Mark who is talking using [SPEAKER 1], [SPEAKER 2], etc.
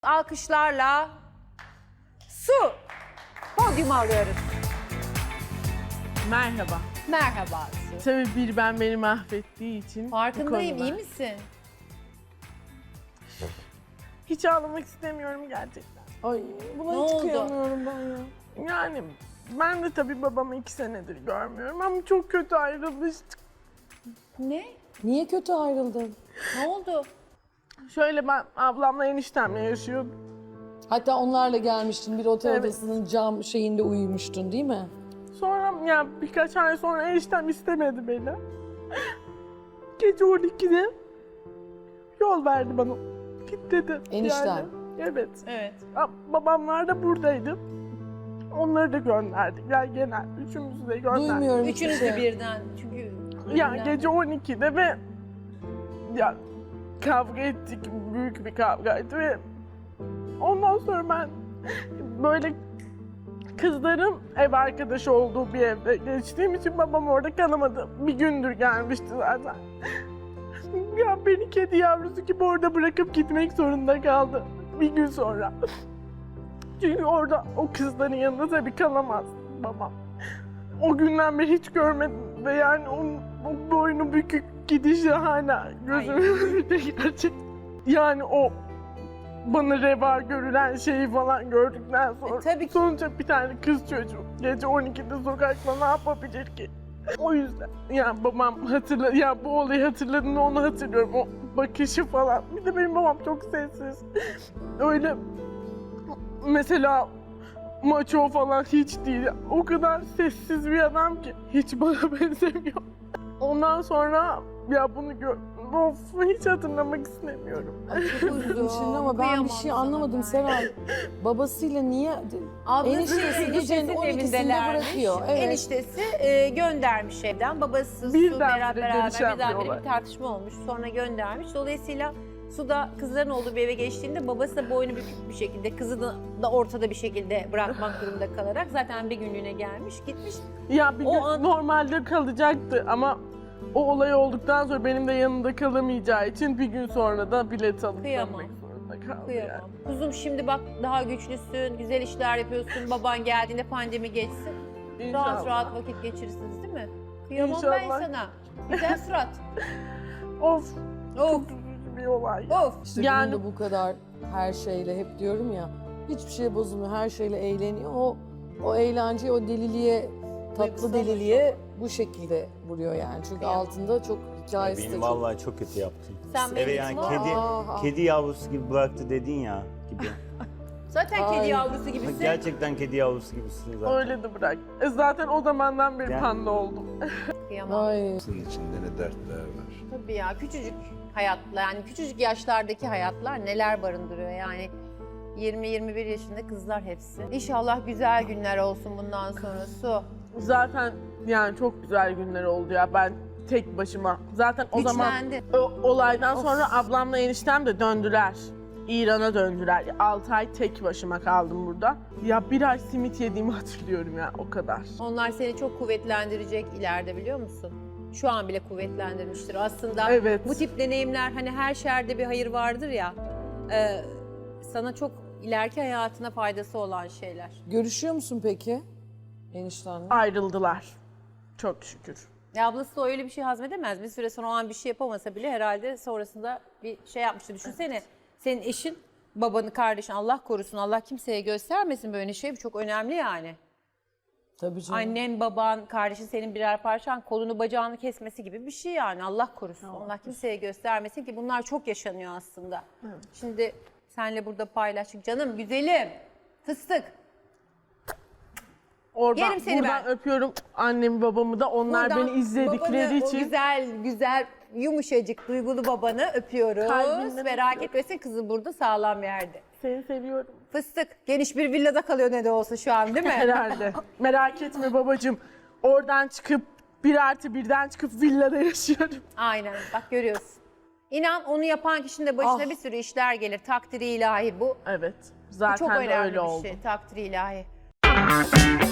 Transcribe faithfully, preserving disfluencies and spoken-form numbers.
[SPEAKER 1] Alkışlarla Su podyuma alıyoruz.
[SPEAKER 2] Merhaba.
[SPEAKER 1] Merhaba Su.
[SPEAKER 2] Tabii bir ben beni mahvettiği için.
[SPEAKER 1] Farkındayım,
[SPEAKER 2] bu konuda
[SPEAKER 1] iyi misin?
[SPEAKER 2] Hiç ağlamak istemiyorum gerçekten. Ay buna
[SPEAKER 1] Ne
[SPEAKER 2] hiç
[SPEAKER 1] oldu?
[SPEAKER 2] kıyamıyorum ben ya. Yani ben de tabii babamı iki senedir görmüyorum ama çok kötü ayrılmıştık.
[SPEAKER 1] Ne?
[SPEAKER 3] Niye kötü ayrıldın?
[SPEAKER 1] Ne oldu?
[SPEAKER 2] Şöyle ben ablamla eniştemle yaşıyordum.
[SPEAKER 3] Hatta onlarla gelmiştin, bir otel
[SPEAKER 2] Evet.
[SPEAKER 3] odasının cam şeyinde uyumuştun değil mi?
[SPEAKER 2] Sonra ya birkaç ay sonra eniştem istemedi beni. Gece on ikide yol verdi bana. Git dedi.
[SPEAKER 3] Enişten.
[SPEAKER 2] Yani. Evet.
[SPEAKER 1] Evet.
[SPEAKER 2] Ya, babamlar da buradaydı. Onları da gönderdik. Yani genel üçümüzü de gönderdik.
[SPEAKER 3] Duymuyorum hiçbir
[SPEAKER 1] Üçünüz de
[SPEAKER 3] şey.
[SPEAKER 1] birden. Çünkü
[SPEAKER 2] Ya
[SPEAKER 1] birden.
[SPEAKER 2] gece on ikide ve ya kavga ettik. Büyük bir kavgaydı ve ondan sonra ben böyle kızların ev arkadaşı olduğu bir evde geçtiğim için babam orada kalamadı. Bir gündür gelmişti zaten. Ya beni kedi yavrusu gibi orada bırakıp gitmek zorunda kaldı bir gün sonra. Çünkü orada o kızların yanında tabii kalamaz babam. O günden beri hiç görmedim ve yani onun o boynu bükük gidişi hala gözümün önünde gerçek. Yani o bana reva görülen şeyi falan gördükten sonra
[SPEAKER 1] E, tabii ki.
[SPEAKER 2] sonuçta bir tane kız çocuğu gece on ikide sokakta ne yapabilir ki? O yüzden yani babam hatırla ya bu olayı hatırladığında onu hatırlıyorum, o bakışı falan. Bir de benim babam çok sessiz. Öyle mesela maço falan hiç değil. O kadar sessiz bir adam ki hiç bana benzemiyor. Ondan sonra ya bunu gör of, hiç hatırlamak istemiyorum.
[SPEAKER 3] Üzüldüm şimdi ama ben bir şey anlamadım Seray. Babasıyla niye?
[SPEAKER 1] Ablası
[SPEAKER 3] Eniştesi gecenin on ikisinde
[SPEAKER 1] evindelermiş.
[SPEAKER 3] bırakıyor. Evet.
[SPEAKER 1] Eniştesi e, göndermiş evden. Babası
[SPEAKER 2] Birden
[SPEAKER 1] Su beraber
[SPEAKER 2] bire
[SPEAKER 1] beraber
[SPEAKER 2] gelişen bir
[SPEAKER 1] birdenbire
[SPEAKER 2] olay.
[SPEAKER 1] bir tartışma olmuş. Sonra göndermiş. Dolayısıyla Su da kızların olduğu bir eve geçtiğinde babası da boynu bükük bir şekilde, kızı da, da ortada bir şekilde bırakmak durumunda kalarak zaten bir günlüğüne gelmiş, gitmiş.
[SPEAKER 2] Ya bir
[SPEAKER 1] O
[SPEAKER 2] gün
[SPEAKER 1] an-
[SPEAKER 2] normalde kalacaktı ama o olay olduktan sonra benim de yanında kalamayacağı için bir gün sonra da bilet alıp
[SPEAKER 1] Kıyamam.
[SPEAKER 2] dönmek zorunda kaldı
[SPEAKER 1] Kıyamam.
[SPEAKER 2] yani.
[SPEAKER 1] Kuzum şimdi bak daha güçlüsün, güzel işler yapıyorsun. Baban geldiğinde pandemi geçsin. Rahat
[SPEAKER 2] İnşallah.
[SPEAKER 1] rahat vakit geçirirsiniz değil mi? Kıyamam
[SPEAKER 2] İnşallah.
[SPEAKER 1] ben sana. Güzel surat.
[SPEAKER 2] Of,
[SPEAKER 1] Of.
[SPEAKER 2] çok üzücü bir olay.
[SPEAKER 1] Of.
[SPEAKER 3] İşte
[SPEAKER 2] Yani-
[SPEAKER 3] yani... bu kadar her şeyle hep diyorum ya, hiçbir şey bozulmuyor, her şeyle eğleniyor. O o eğlence, o deliliğe, tatlı
[SPEAKER 1] Duygusal
[SPEAKER 3] deliliğe bu şekilde vuruyor yani. Çünkü
[SPEAKER 1] Kıyamam.
[SPEAKER 3] altında çok hikayesi de
[SPEAKER 4] Benim
[SPEAKER 3] çok.
[SPEAKER 4] vallahi çok kötü yaptın.
[SPEAKER 1] Sen
[SPEAKER 4] Eve
[SPEAKER 1] beni
[SPEAKER 4] yani
[SPEAKER 1] var.
[SPEAKER 4] kedi
[SPEAKER 3] Aa,
[SPEAKER 4] kedi yavrusu gibi bıraktı dedin ya gibi.
[SPEAKER 1] Zaten
[SPEAKER 3] Ay.
[SPEAKER 1] kedi yavrusu gibisin.
[SPEAKER 4] Gerçekten kedi yavrusu gibisin zaten.
[SPEAKER 2] Öyle de bırak. E zaten o zamandan beri
[SPEAKER 4] Yani-
[SPEAKER 2] panda oldum.
[SPEAKER 1] Kıyamam.
[SPEAKER 3] Ay.
[SPEAKER 5] Hayatın içinde ne dertler var.
[SPEAKER 1] Tabii ya küçücük hayatlar yani küçücük yaşlardaki hayatlar neler barındırıyor yani. yirmi yirmi bir yaşında kızlar hepsi. İnşallah güzel günler olsun bundan sonra Su.
[SPEAKER 2] Zaten yani çok güzel günler oldu ya, ben tek başıma. Zaten o zaman
[SPEAKER 1] Güçlendi.
[SPEAKER 2] o olaydan sonra ablamla eniştem de döndüler. İran'a döndüler. altı ay tek başıma kaldım burada. Ya bir ay simit yediğimi hatırlıyorum ya, o kadar.
[SPEAKER 1] Onlar seni çok kuvvetlendirecek ileride biliyor musun? Şu an bile kuvvetlendirmiştir. Aslında
[SPEAKER 2] Evet.
[SPEAKER 1] bu tip deneyimler hani her şerde bir hayır vardır ya. e, sana çok ileriki hayatına faydası olan şeyler.
[SPEAKER 3] Görüşüyor musun peki eniştenle?
[SPEAKER 2] Ayrıldılar. Çok şükür.
[SPEAKER 1] Ya ablası da öyle bir şey hazmedemez. Bir süre sonra o an bir şey yapamasa bile herhalde sonrasında bir şey yapmıştı. Düşünsene senin eşin, babanı, kardeşin Allah korusun, Allah kimseye göstermesin böyle şey. Bu çok önemli yani.
[SPEAKER 3] Tabii canım.
[SPEAKER 1] Annen, baban, kardeşin senin birer parçan kolunu bacağını kesmesi gibi bir şey yani. Allah korusun. Allah kimseye göstermesin ki bunlar çok yaşanıyor aslında. Şimdi senle burada paylaştık. Canım, güzelim, fıstık.
[SPEAKER 2] Oradan,
[SPEAKER 1] Yerim seni
[SPEAKER 2] buradan
[SPEAKER 1] ben.
[SPEAKER 2] öpüyorum annemi babamı da. Onlar
[SPEAKER 1] Buradan
[SPEAKER 2] beni izledikleri
[SPEAKER 1] babanı,
[SPEAKER 2] için.
[SPEAKER 1] O güzel, güzel, yumuşacık, duygulu babanı öpüyoruz.
[SPEAKER 2] Kalbimden
[SPEAKER 1] Merak
[SPEAKER 2] öpüyorum.
[SPEAKER 1] etmesin kızı burada sağlam yerde.
[SPEAKER 2] Seni seviyorum.
[SPEAKER 1] Fıstık, geniş bir villada kalıyor ne de olsa şu an değil mi?
[SPEAKER 2] Herhalde. Merak etme babacığım. Oradan çıkıp bir artı birden çıkıp villada yaşıyorum.
[SPEAKER 1] Aynen, bak görüyorsun. İnan onu yapan kişinin de başına
[SPEAKER 3] Ah.
[SPEAKER 1] bir sürü işler gelir. Takdiri ilahi bu.
[SPEAKER 2] Evet.
[SPEAKER 1] Bu
[SPEAKER 2] Zaten
[SPEAKER 1] çok
[SPEAKER 2] de
[SPEAKER 1] önemli
[SPEAKER 2] öyle
[SPEAKER 1] bir
[SPEAKER 2] oldu.
[SPEAKER 1] şey. Takdiri ilahi.